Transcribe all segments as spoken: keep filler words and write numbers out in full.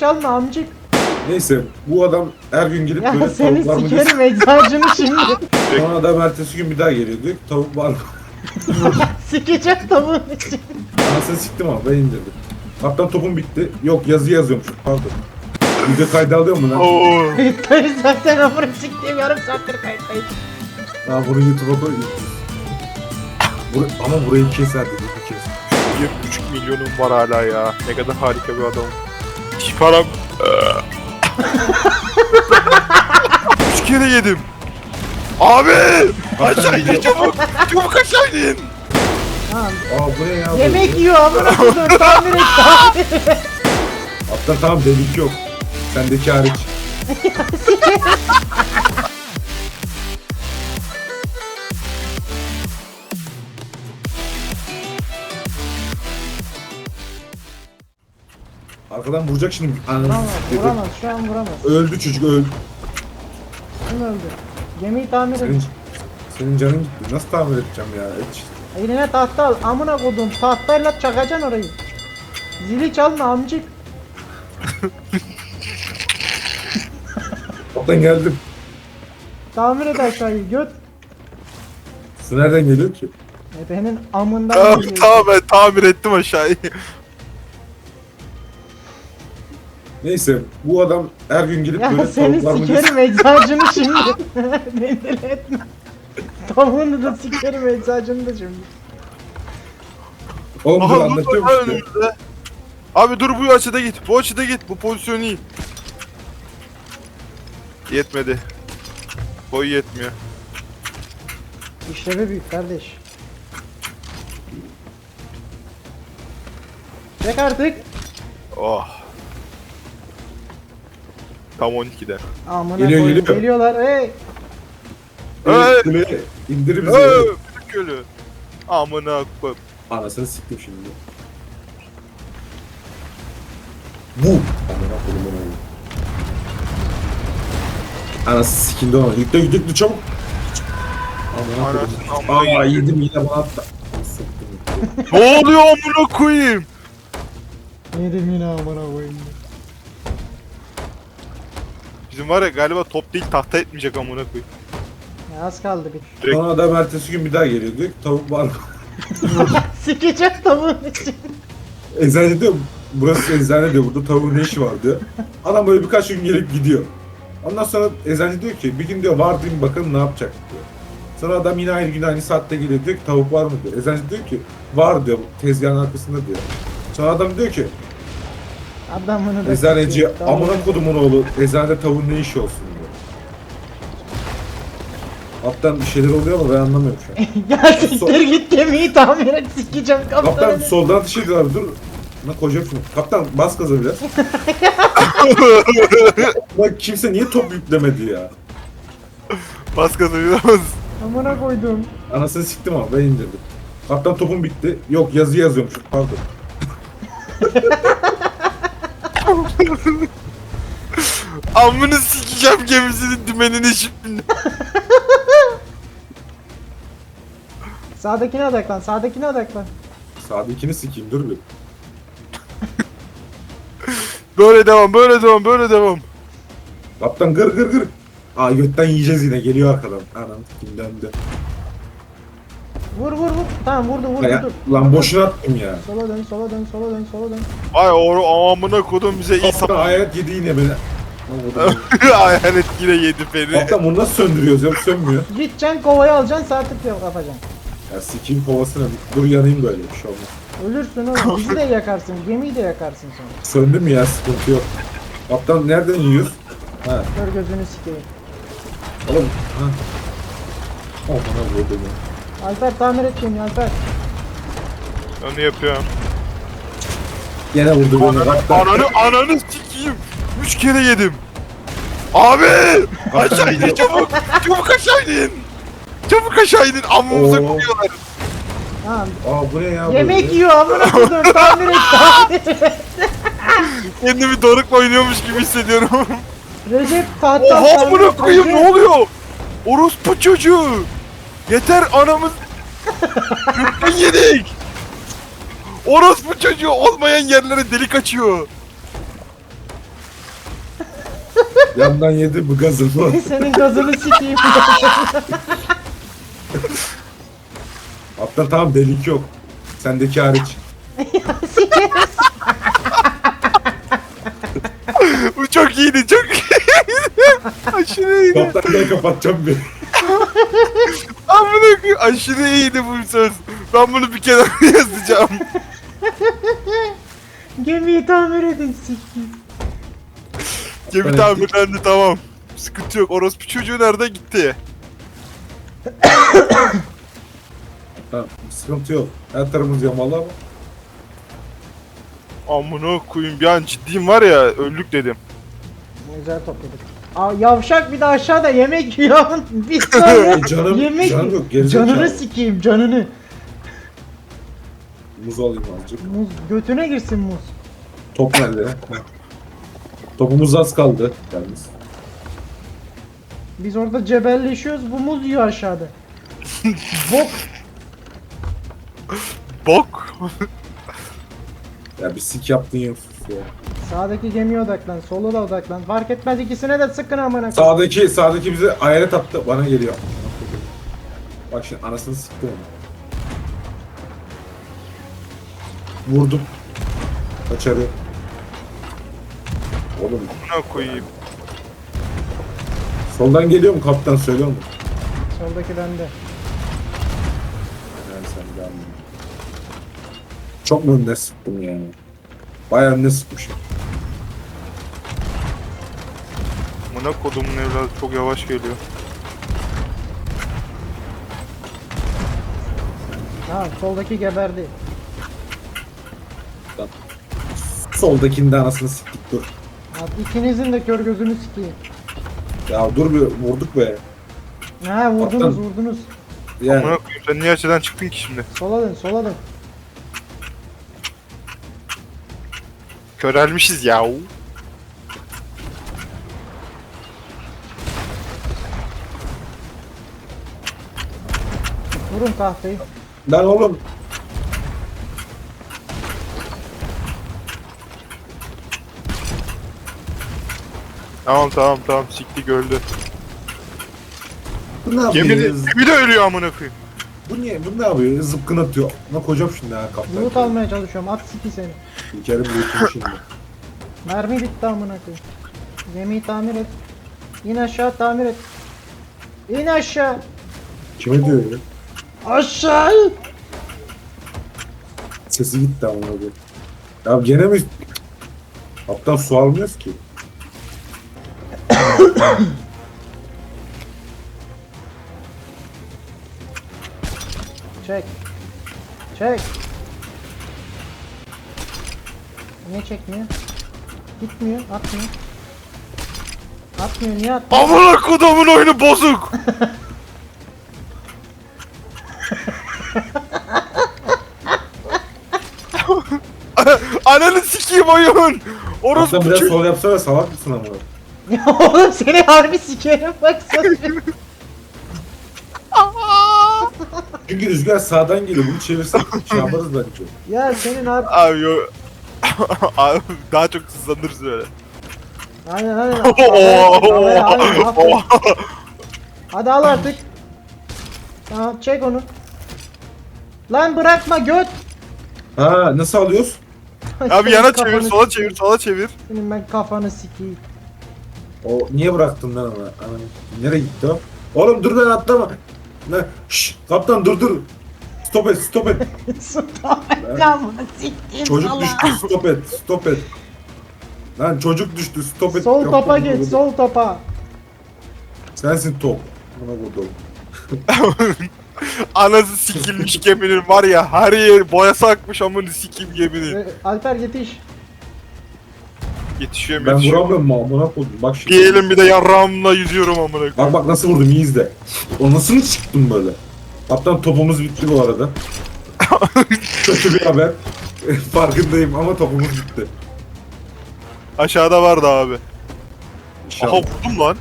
çalma amcık. Neyse bu adam her gün gelip Ya böyle seni tavuk var mı sikerim eczacını şimdi. Sonra adam ertesi gün bir daha geliyor diyor ki tavuk var mı? Sikecek tavuğun için. Anasını siktim ama ben indirdim. Kaptan topum bitti. Yok yazı yazıyormuş pardon. Video kaydı alıyor mu lan? Oo. Kayıttayız zaten amına siktiğim yarım saattir kayıttayız. Ha bunu YouTube'a koy. Bur ama burayı keser dedi bir kes. bir buçuk milyonum var hala ya. Ne kadar harika bir adamım. Hiç param... Üç kere yedim. Abi! Aşağı in çabuk! Çabuk aşağı in! Tamam. Aa bu ne ya? Yemek yiyor amına koyduğum tamir et tamir et. Hatta tamam delik yok. Sendeki hariç. Arkadan vuracak şimdi. Ananı Vuramaz, siktir. vuramaz şu an vuramaz. Öldü çocuk öldü. Kim öldü? Gemiyi tamir Senin, et. senin canın gitti. Nasıl tamir edeceğim ya? Hiç. Eline tahta al amına koyduğum tahtayla çakacaksın orayı. Zili çalma amcık. Kaptan geldim. Tamir et aşağıyı göt. Su nereden geliyor ki? Ebenin amından Tamam, geliyor. tamam ben tamir ettim aşağıyı. Neyse bu adam her gün gelip Ya böyle seni tavuklar mı sikerim eczacını şimdi. Beni deli etme. Tavuğunu da sikerim eczacını da şimdi. Oğlum dur Aha dur anlatıyorum dur işte. önümüzde. Abi dur bu açıda git. Bu açıda git. Bu pozisyon iyi. Yetmedi. Boy yetmiyor. İşlevi büyük kardeş. Çek artık. Oh. Tam on ikide. Amına Geliyor, koyayım, geliyor. geliyorlar. Hey. Evet, kuleye indir bizi. Eee gölü. Amına koyayım. Anasını siktim şimdi. Bu. Amına koyayım onu. Anası sikindi ona. Yükle yükle çabuk. Amına Anasını koyayım. amına Aa yedim. yedim yine bana attı. Siktim. Ne oluyor amına koyayım? Yedim yine amına koyayım. Bizim var ya galiba top değil tahta etmeyecek amına koyayım. Ya az kaldı bir. Direkt- Sonra adam ertesi gün bir daha geliyor diyor ki tavuk var mı? Sikecek tavuğun için. Eczane diyor burası eczane diyor burada tavuğun ne işi var diyor. Adam böyle birkaç gün gelip gidiyor. Ondan sonra eczane diyor ki bir gün diyor var diyeyim bakalım ne yapacak diyor. Sonra adam yine aynı gün aynı saatte geliyor diyor ki tavuk var mı diyor. Eczane diyor ki var diyor tezgahın arkasında diyor. Sonra adam diyor ki Adamını da eczaneci sikeyim, tavuğunu- amına kodumun oğlu eczanede tavuğun ne işi olsun diyor. Alttan bir şeyler oluyor ama ben anlamıyorum şu an. Ya siktir git gemiyi tamir et sikeceğim Kaptan kaptanı. soldan ateş ediyorlar dur. Lan koyacağım şunu. Kaptan bas gaza biraz. Bak kimse niye top yüklemedi ya? Bas gaza biraz. Amına koydum. Anasını siktim ama ben indirdim. Kaptan topum bitti. Yok yazı yazıyormuş pardon. Amını sikeceğim gemisinin dümenini şimdi. Sağdakine odaklan sağdakine odaklan. Sağdakini sikeyim dur bir. Böyle devam, böyle devam, böyle devam. Kaptan gır gır gır. Aa götten yiyeceğiz yine geliyor arkadan. Anam sikim döndü. Vur vur vur. Tamam vurdu vurdu Ya, dur. lan boşuna attım ya. Sola dön sola dön sola dön sola dön. Ay o amına kodum bize iyi Kaptan sap. hayat yedi yine beni. Ne oldu? Hayalet yine yedi beni. Kaptan bunu nasıl söndürüyoruz ya? Sönmüyor. Gideceksin kovayı alacaksın sağ tık yok yapacaksın. Ya sikeyim kovasına. Dur yanayım böyle bir şey olmaz. Ölürsün oğlum bizi de yakarsın gemiyi de yakarsın sonra. Söndü mü ya sıkıntı yok. Kaptan nereden yiyoruz? Ha Kör gözünü sikeyim. oğlum. Ha. Oh bana vurdu ya. Alper tamir et gemiyi Alper. Onu yapıyorum. Gene vurdu beni. Kaptan. Ananı ananı sikeyim. Üç kere yedim. Abi! Aşağı inin çabuk! Çabuk aşağı inin! Çabuk aşağı inin! Amımıza Oo. koyuyorlar. Tamam. Aa bu ne ya? Yemek böyle? yiyor amına koydum tamir et tamir et. Kendimi dorukla oynuyormuş gibi hissediyorum. Recep tahta Oha tamir amına et, koyayım Recep. ne oluyor? Orospu çocuğu! Yeter anamız... Gürkan yedik! Orospu çocuğu olmayan yerlere delik açıyor. Yandan yedi bu gazını. Senin gazını sikeyim. Kaptan tamam delik yok. Sendeki hariç. Sikerim. Bu çok iyiydi çok iyiydi. Aşırı iyiydi. Kaptan gel kapatacağım bir. Amına koyayım aşırı iyiydi bu söz. Ben bunu bir kenara yazacağım. Gemiyi tamir edin sikeyim. Gemi Evet. tamirlendi tamam. Sıkıntı yok. Orospu çocuğu nerede gitti? Tamam sıkıntı yok. Her tarafımız yamalı ama. Amına koyayım bir an ciddiyim var ya öldük dedim. Güzel topladık. Aa, yavşak bir de aşağıda yemek yiyor. Bir saniye. E, canım, yemek canım yok. Gerizekalı. Canını sikeyim canını. Muz alayım azıcık. Muz götüne girsin muz. Top nerede? Topumuz az kaldı. Yalnız. Biz orada cebelleşiyoruz, bu muz yiyor aşağıda. Bok. Bok. Ya bir sik yaptın ya. ya. Sağdaki gemiye odaklan, sola da odaklan. Fark etmez, ikisine de sıkın amına koyayım. Sağdaki, sağdaki bize hayalet attı. Bana geliyor. Bak şimdi anasını sıktı onu. Vurdum. Kaçarı. Oğlum Amına koyayım. soldan geliyor mu kaptan söylüyor mu? Soldaki bende. Yani sen de anladın. Çok mu önüne sıktım yani? Bayağı önüne sıkmışım. Amına kodumun evladı çok yavaş geliyor. Ha, soldaki geberdi. Soldakinin de anasını siktik dur. Abi ikinizin de kör gözünü sikeyim. Ya dur bir vurduk be. Ha, vurdunuz Kaptan. vurdunuz. Yani Amına koyayım sen niye açıdan çıktın ki şimdi? Sola dön, sola dön. Körelmişiz ya. Vurun tahtayı. lan oğlum Tamam tamam tamam siktik öldü. bu ne Gemi de, yapıyor? gemi de ölüyor amına koyayım. Bu niye? Bu ne yapıyor? Zıpkın atıyor. Buna kocam şimdi ha kaptan. Loot almaya çalışıyorum, at siki seni. İlkerim büyütüm şimdi. Mermi bitti amına koyayım. Gemiyi tamir et. İn aşağı, tamir et. İn aşağı. Kime diyor ya? Aşağı. Sesi gitti ama abi. Ya gene mi? Kaptan su almıyoruz ki. Çek. Çek. Niye çekmiyor? Gitmiyor, atmıyor. Atmıyor, niye atmıyor? Amına kodumun oyunu bozuk. Ananı sikeyim oyun. Orospu Kaptan biraz çocuğu. sol yapsana salak mısın ama? Ya oğlum seni harbi sikerim baksana. Çünkü rüzgar sağdan geliyor. Bunu çevirsek şey yaparız bence. Ya senin harbi... Abi yo. Abi daha çok hızlanırız böyle. Aynen aynen. Oo. Aynen, aynen, aferin. Hadi al artık. Tamam, çek onu. Lan bırakma göt. Ha nasıl alıyoruz? Abi Senin yana kafanı çevir, sola sikeyim. çevir, sola çevir. Senin ben kafanı sikeyim. O niye bıraktın lan ama? Aman, nereye gitti o? Oğlum dur lan atlama. Ne? Şşş kaptan dur dur. Stop et stop et. Lan bunu sikeyim Çocuk salak. düştü stop et stop et. Lan çocuk düştü stop et. Sol Yok, topa yok, yok. geç, sol topa. Sensin top. Buna vurdum. Anası sikilmiş geminin var ya her yer boyası akmış amını sikeyim geminin. Ee, Alper yetiş. Yetişiyorum Ben yetişiyorum. vuramıyorum mu amına koydum. Bak şimdi. Bir elim bir de yarrağımla yüzüyorum amına koyayım. Bak bak nasıl vurdum iyi izle. O nasıl mı çıktım böyle? Kaptan topumuz bitti bu arada. Kötü bir haber. Farkındayım ama topumuz bitti. Aşağıda vardı abi. Aha İnşallah. vurdum lan.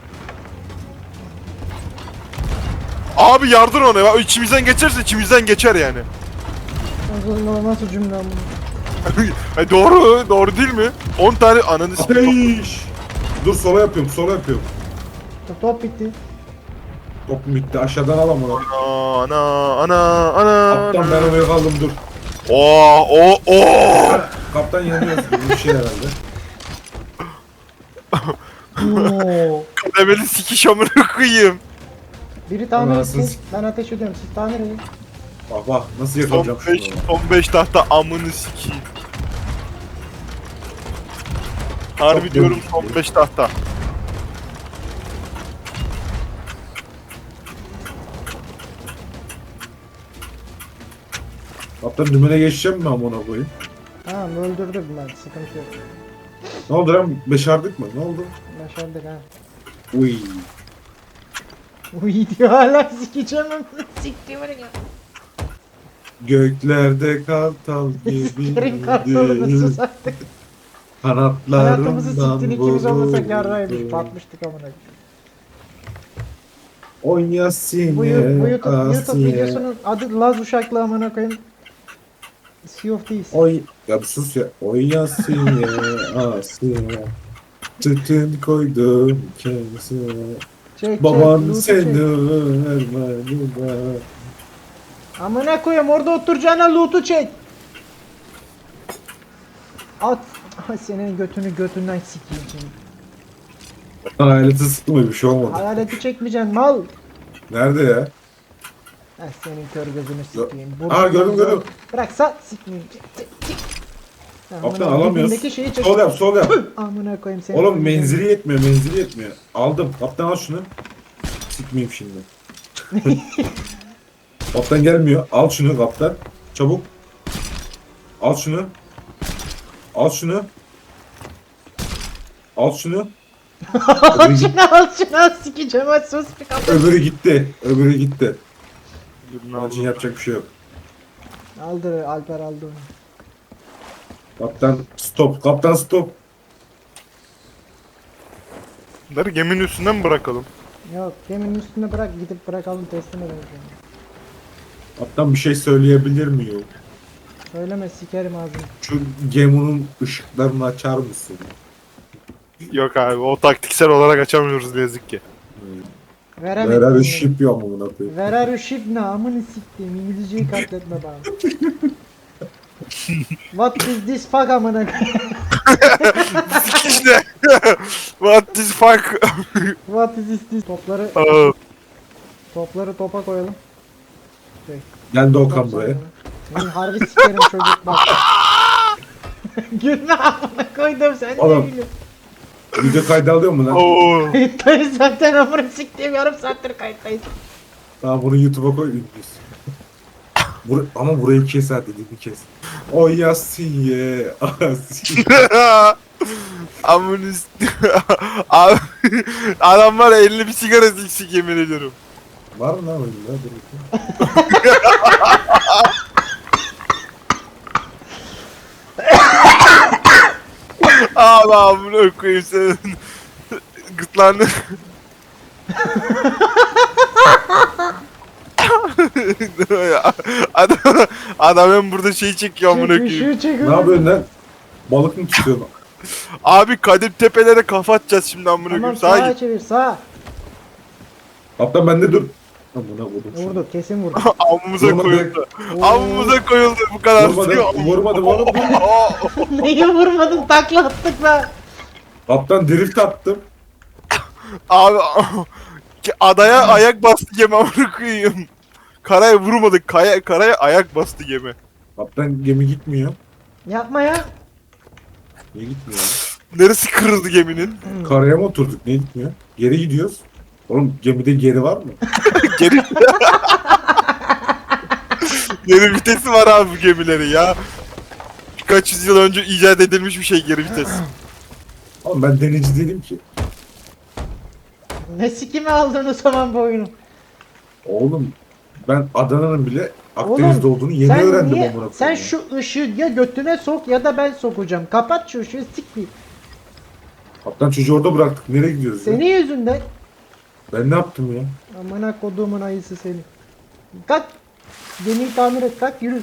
Abi yardır ona ya. İçimizden geçerse içimizden geçer yani. Nasıl, nasıl cümle bunu? E doğru, doğru değil mi? on tane ananı sikeyim. Ateş! dur sola yapıyorum sola yapıyorum. Top bitti. Top bitti aşağıdan alam onu. Ana ana ana. Kaptan ben oraya kaldım dur. Oo o o. Kaptan yanıyoruz gibi bir şey herhalde. Oo. Kademeli sikiş amına koyayım. Biri tamir Anasını etsin. s- Ben ateş ediyorum. Siz tamir edin. Bak bak nasıl Son yakalayacağım beş, şunu. son beş tahta amını sikeyim. Harbi Çok diyorum dönmüş son ya. beş tahta. Kaptan dümene geçeceğim mi amına koyayım? Tamam öldürdüm ben. Sıkıntı yok. Ne oldu lan? Beşardık mı? Ne oldu? Başardık ha. Uy. Uy diyor hala sikeceğim onu. Siktiğim ya. Göklerde kartal Sikerim kartalını gibiydi. sus artık. Hayatımızı Kanatlarından siktin ikimiz olmasak vuruldu. yarraymış. Batmıştık amına. Onyasine, Bu, yu- bu YouTube, YouTube Asiye. videosunun adı Laz Uşaklı amına koyayım. Sea of Thieves. Oy, ya bir sus ya. Onyasine, Asiye. Tütün koydum kendisine. Çek çek. Baban loot'u seni çek. vermedi de. Amına koyayım orada oturacağına loot'u çek. At. Ay, senin götünü götünden sikeyim seni. Hayaleti sıktı mı bir şey olmadı. Hayaleti çekmeyeceksin mal. Nerede ya? Eh senin kör gözünü Gö- sikeyim. Aa, gördüm, gördüm. Bıraksa sikmeyeyim. Çek, çek, çek. Ya, Kaptan amına alamıyoruz. dibindeki şeyi çek. Sol yap sol yap. Amına koyayım seni. Oğlum menzili yetmiyor menzili yetmiyor. Aldım. Kaptan al şunu. Sikmeyeyim şimdi. Kaptan gelmiyor. Al şunu kaptan. Çabuk. Al şunu. Al şunu. Al şunu. Al şunu al şunu al sikeceğim hadi sus bir kapı. Öbürü gitti. Öbürü gitti. Birini Onun için aldım. yapacak bir şey yok. Aldı Alper aldı onu. Kaptan stop. Kaptan stop. Bunları geminin üstünden mi bırakalım? Yok geminin üstüne bırak gidip bırakalım teslim edelim. Kaptan bir şey söyleyebilir miyim? Söyleme sikerim ağzını. Şu geminin ışıklarını açar mısın? Yok abi o taktiksel olarak açamıyoruz ne yazık ki. Veremedim. Beraber bunu. şip yok mu buna koyayım? Where are you ship ne amını siktiğim İngilizceyi katletme bana. What is this fuck amına koyayım? Sikiş ne? What the fuck? What is this, this? Topları Aa, topları topa koyalım. Gel Top Doğukan buraya. sonra. Benim harbi sikerim çocuk bak. Gülme amına koydum sen ne Oğlum. gülüyorsun? Video kaydı alıyor mu lan? Oo. Kayıttayız zaten amına siktiğim yarım saattir kayıttayız. Tamam bunu YouTube'a koy ünlüyüz. Bur ama burayı kes ha dediğimi kes. O Yasiye, Asiye. Amınız. Abi adam var ya elini bir sigara siksik yemin ediyorum. Var mı lan öyle? Dur bakayım. Abi amına koyayım senin. Gırtlağını. adam, adam hem burada şey çekiyor amına Çek koyayım. ışığı çek Ne yapıyorsun lan? Balık mı tutuyorsun? Abi Kadim Tepelere kafa atacağız şimdi amına Tamam koyayım. Sağa sağa git. çevir sağa. Kaptan bende dur. Amına vurdum. şunu. Vurdu kesin vurdu. Avımıza Vurmadı. koyuldu. Oo. Avımıza koyuldu bu kadar. Vurmadı, vurmadı, vurmadı. Neyi vurmadın takla attık be. Kaptan drift attım. Abi ki adaya ayak bastı gemi amına koyayım. Karaya vurmadık. Kaya, karaya ayak bastı gemi. Kaptan gemi gitmiyor. Yapma ya. Niye gitmiyor? lan? Neresi kırıldı geminin? Karaya mı oturduk? Niye gitmiyor? Geri gidiyoruz. Oğlum gemide geri var mı? Geri... Geri vitesi var abi bu gemileri ya. Birkaç yüzyıl önce icat edilmiş bir şey geri vites. Oğlum ben denizci değilim ki. Ne sikimi aldın o zaman bu oyunu? Oğlum ben Adana'nın bile Oğlum, Akdeniz'de olduğunu yeni sen öğrendim niye- amına Sen koyayım. şu ışığı ya götüne sok ya da ben sokacağım. Kapat şu ışığı sikmeyeyim. Kaptan çocuğu orada bıraktık. Nereye gidiyoruz ya? Senin yüzünden. Ben ne yaptım ya? Amına koduğumun ayısı seni. Kalk. Gemiyi tamir et kalk yürü.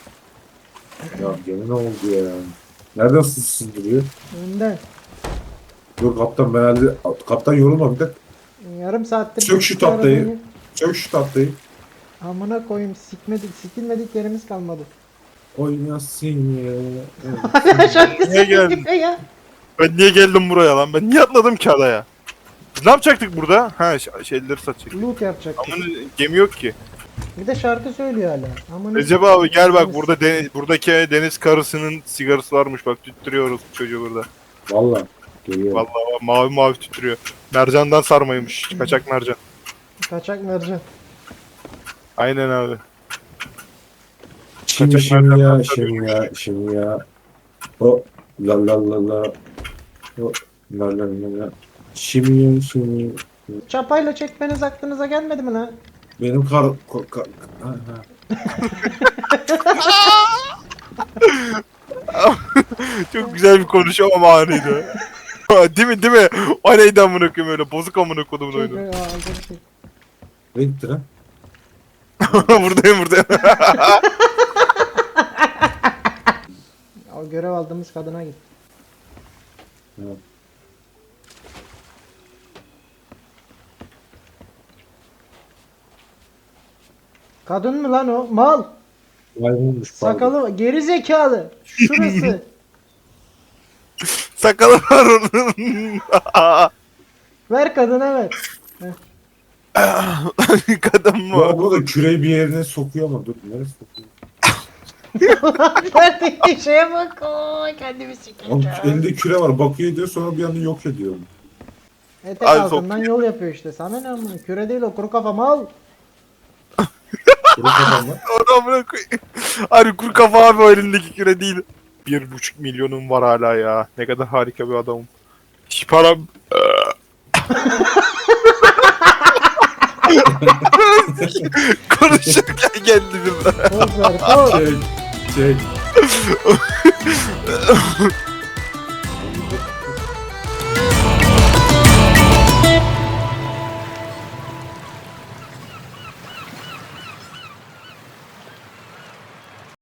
Ya gemi ne oldu ya? Nereden sızsız duruyor? Önden. Dur kaptan ben halde... Kaptan yorulma bir de. Yarım saattir. Çök şu bir tahtayı. arabayı- Çök şu tahtayı. Amına koyayım sikmedik sikilmedik yerimiz kalmadı. Oynasın ya. Şarkısı Niye geldin? gibi ya. Ben niye geldim buraya lan? Ben niye atladım ki adaya? Biz ne yapacaktık burada? Ha ş- şeyleri satacaktık. Loot yapacak. Ama gemi yok ki. Bir de şarkı söylüyor hala. Amına Recep abi gel bak burada deniz, buradaki deniz karısının sigarası varmış bak tüttürüyoruz çocuğu burada. Valla. Geliyor. Vallahi bak, mavi mavi tüttürüyor. Mercandan sarmaymış. Kaçak mercan. Kaçak mercan. Aynen abi. Şimdi Kaçak şimdi mercan ya, tabii. şimdi ya, şimdi ya. O la la la la. O la la la la. Şimdi şimdi. Çapayla çekmeniz aklınıza gelmedi mi lan? Benim kar... ko- ka- ha, ha. Çok güzel bir konuşma ama anıydı. Değil mi değil mi? O neydi amına koyayım öyle bozuk amına kodumun Çok oyunu. Aa, aldım şey. Ne gitti lan? buradayım buradayım. O görev aldığımız kadına git. Evet. Kadın mı lan o? Mal. Maymunmuş pardon. Sakalı var. Geri zekalı. Şurası. Sakalı var onun. Ver kadına ver. Kadın mı? Bu abla da küreği bir yerine sokuyor ama dur neresi sokuyor? Verdiği şeye bak. Oo, kendimi Oğlum, sikeceğim. elinde küre var bakıyor diyor sonra bir anda yok ediyor. Etek Ay, altından yol yapıyor işte. Sana ne amına? Küre değil o kuru kafa mal. Kuru kafamla. Onu amına koyayım. Hani kuru kafa abi o elindeki küre değil. Bir buçuk milyonum var hala ya. Ne kadar harika bir adamım. Hiç param... Konuşurken geldi birden. Poz ver poz. Çek. Çek.